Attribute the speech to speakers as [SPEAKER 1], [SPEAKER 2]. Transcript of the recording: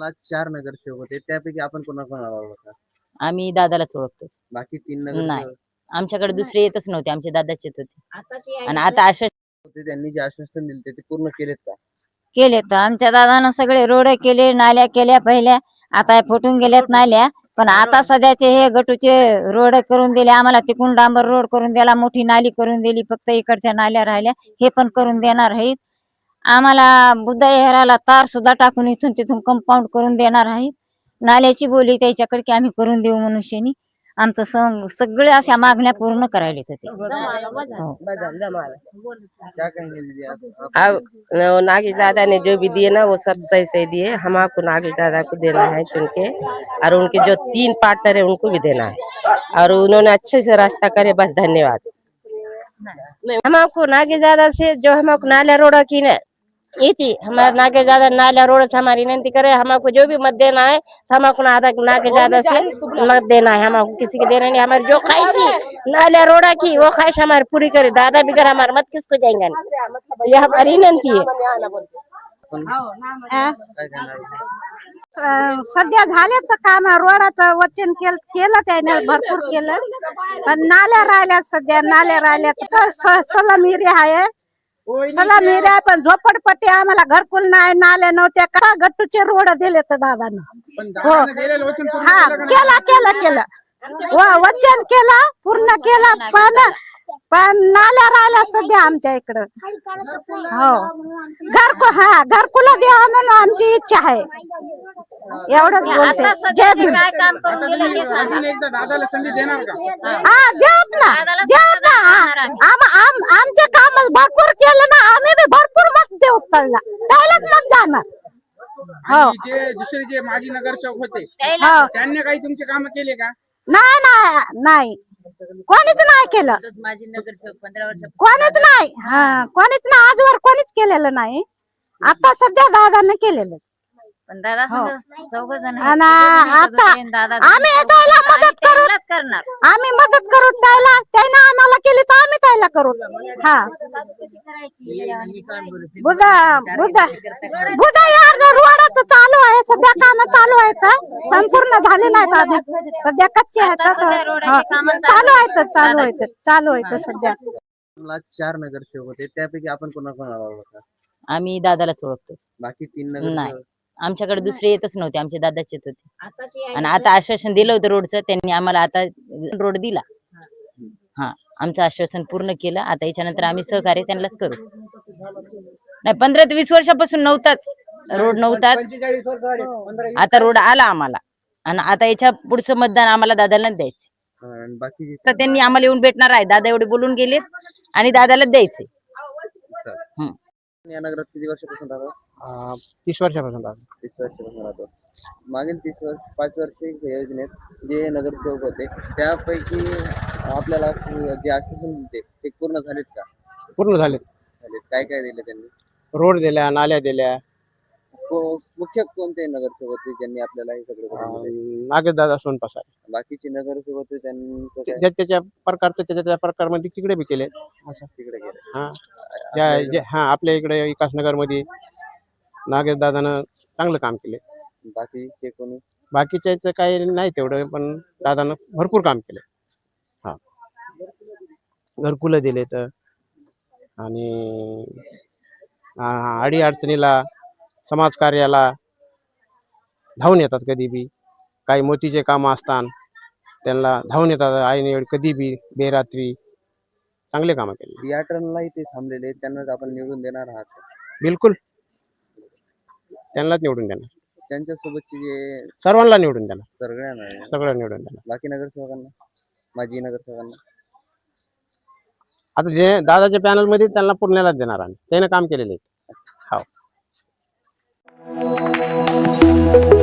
[SPEAKER 1] आज 4 नगरसेवक होते, त्यापैकी आपण कोणाकोणाला ओळखता?
[SPEAKER 2] आम्ही दादालाच ओळखतो.
[SPEAKER 1] बाकी 3
[SPEAKER 2] नाही,
[SPEAKER 1] नगरसेवक
[SPEAKER 2] आमच्याकडे दुसरे येतच नव्हते, आमचे दादाच येत होते. आणि आता अशा
[SPEAKER 1] होते, त्यांनी जे आश्वासन दिले ते पूर्ण केलेत का?
[SPEAKER 3] केले तर आमच्या दादानं सगळे रोड केले, नाल्या केल्या पहिल्या, आता फुटून गेल्यात नाल्या. पण आता सध्याचे हे गटूचे रोड करून दिले आम्हाला, तिकून डांबर रोड करून दिला, मोठी नाली करून दिली, फक्त इकडच्या नाल्या राहिल्या, हे पण करून देणार आहेत. आम्हाला बुद्धा विहाराला तार सुद्धा टाकून इथून तिथून कंपाऊंड करून देणार आहेत. नाल्याची बोली त्याच्याकडे की आम्ही करून देऊ मनुष्यानी. आमचं सगळे अशा मागण्या पूर्ण करायला होते.
[SPEAKER 1] क्या कहेंगे दीदी आप?
[SPEAKER 4] नागेश दादा ने जो भी दिए ना वो सब सही सही दिए। हम आपको नागेश दादा को देना है चुन के, और उनके जो 3 पार्टनर है उनको भी देना है, और उन्होंने अच्छे से रास्ता करे, बस धन्यवाद। हम आपको नागेश दादा से जो हम आपको नाला रोड की ना ये थी, हमारा नागेश दादा नाला रोड से हमारी विनती करे, हमको जो भी मत देना है हमको नागेश दादा से मत देना है, हमको किसी के देना नहीं। हमारी जो ख्वाहिश थी नाला रोड की वो ख्वाहिश हमारी पूरी करे, दादा बिगर हमारे मत किसको जाएंगे, ये हमारी विनंती है।
[SPEAKER 1] काय करणार?
[SPEAKER 5] सध्या झाले तर काम, रोडाचं वचन केलं त्याने, भरपूर केलं. पण नाल्या राहिल्या, सध्या नाल्या राहिल्या. सलाम एरिया आहे, सलाम एरिया, पण झोपडपट्टी आम्हाला घरकुल नाही, नाल्या नव्हत्या. का गट्टूचे रोड दिले तर दादानं. हो, हा, केलं वचन केलं, पूर्ण केलं. पण नाल्या राहिल्या सध्या आमच्या इकडं. हो, घरकुल द्यावं म्हणून आमची इच्छा आहे. एवढंच बोलते. जय भीम.
[SPEAKER 3] काय काम करून दिले ते सांगा.
[SPEAKER 6] दादाला संधी देणार का?
[SPEAKER 5] देत ना. आमचे काम भरपूर केलं ना, आम्ही बी भरपूर मत देऊ त्यालाच मत जाणार.
[SPEAKER 6] आणि जे दुसरे जे माजी नगरसेवक होते त्यांनी काही तुमचे काम केले का?
[SPEAKER 5] नाही, कोणीच नाही केलं.
[SPEAKER 2] माझी नगरसेवक 15 वर्ष
[SPEAKER 5] कोणीच नाही आजवर कोणीच केलेलं नाही. आता सध्या दादाने केलेलं.
[SPEAKER 2] पण दादा चौघ जण
[SPEAKER 5] आणि आता आम्ही त्याला मदत करू,
[SPEAKER 2] करणार.
[SPEAKER 5] आम्ही मदत करू त्याला. त्याने आम्हाला केली तर आम्ही त्याला करू. हा, बुधा यार रोडाचं चालू आहे सध्या, काम चालू आहेत, संपूर्ण झाले नाहीत अजून, सध्या कच्चे आहेत. चालू आहेत सध्या.
[SPEAKER 1] आज 4 नगरसेवक होते, त्यापैकी आपण कोणाकोणाला ओळखता?
[SPEAKER 2] आम्ही दादालाच ओळखतो.
[SPEAKER 1] बाकी 3
[SPEAKER 2] नाही,
[SPEAKER 1] नगरसेवक
[SPEAKER 2] आमच्याकडे दुसरे येतच नव्हते, आमचे दादाच येत होते. आणि आता आश्वासन दिलं होतं रोडचं, त्यांनी आम्हाला आता रोड दिला. हा, आमचं आश्वासन पूर्ण केलं. आता याच्यानंतर आम्ही सहकार्य त्यांनाच करू. नाही, 15 ते 20 वर्षापासून नव्हताच रोड, नव्हताच. आता रोड आला आम्हाला, आणि आता याच्या पुढचं मतदान आम्हाला दादाला द्यायचं.
[SPEAKER 1] आणि बाकी
[SPEAKER 2] तर त्यांनी आम्हाला येऊन भेटणार आहे. दादा एवढे बोलून गेलेत आणि दादाला द्यायचे.
[SPEAKER 1] या नगरात किती वर्षापासून राहतो?
[SPEAKER 6] 30 वर्षापासून
[SPEAKER 1] 30 वर्षापासून राहतो. मागील 5 वर्ष योजनेत जे नगरसेवक होते त्यापैकी आपल्याला जे आश्वासन दिले ते पूर्ण झालेत का?
[SPEAKER 6] पूर्ण झाले.
[SPEAKER 1] काय काय दिलं त्यांनी?
[SPEAKER 6] रोड दिल्या, नाल्या दिल्या.
[SPEAKER 1] मुख्य कोणते नगरसेवक होते ज्यांनी आपल्याला हे सगळं करून दिले?
[SPEAKER 6] नागेश दादा सोनपासा.
[SPEAKER 1] बाकीचे नगरसेवक होते त्यांचं काय?
[SPEAKER 6] त्याच्या प्रकारचं त्याच्या प्रकारमध्ये तिकडे बी केले. असं
[SPEAKER 1] तिकडे गेले.
[SPEAKER 6] आपल्या इकडे विकासनगर मध्ये नागेश दादानं चांगलं काम केले.
[SPEAKER 1] बाकीचे कोणी?
[SPEAKER 6] बाकीच्या काही नाही तेवढं, पण दादानं भरपूर काम केले. हा, घरकुलं दिले तर, आणि अडी अडचणीला समाज कार्याला धावून येतात. कधी बी काही मोठीचे काम असतात त्यांना धावून येतात. आईने कधी बी बेरात्री चांगले कामं केले.
[SPEAKER 1] बियाटनला इथे थांबलेले त्यांनाच आपण निवडून देणार आहात?
[SPEAKER 6] बिलकुल, त्यांनाच निवडून देणार.
[SPEAKER 1] त्यांच्यासोबतचे जे
[SPEAKER 6] सर्वांना निवडून देणार,
[SPEAKER 1] सगळ्यांना
[SPEAKER 6] सगळं निवडून देणार.
[SPEAKER 1] बाकी नगरसेवकांना, माजी नगरसेवकांना?
[SPEAKER 6] आता जे दादाच्या पॅनल मध्ये त्यांना पुण्यालाच देणार आम्ही, त्याने काम केलेले. हो.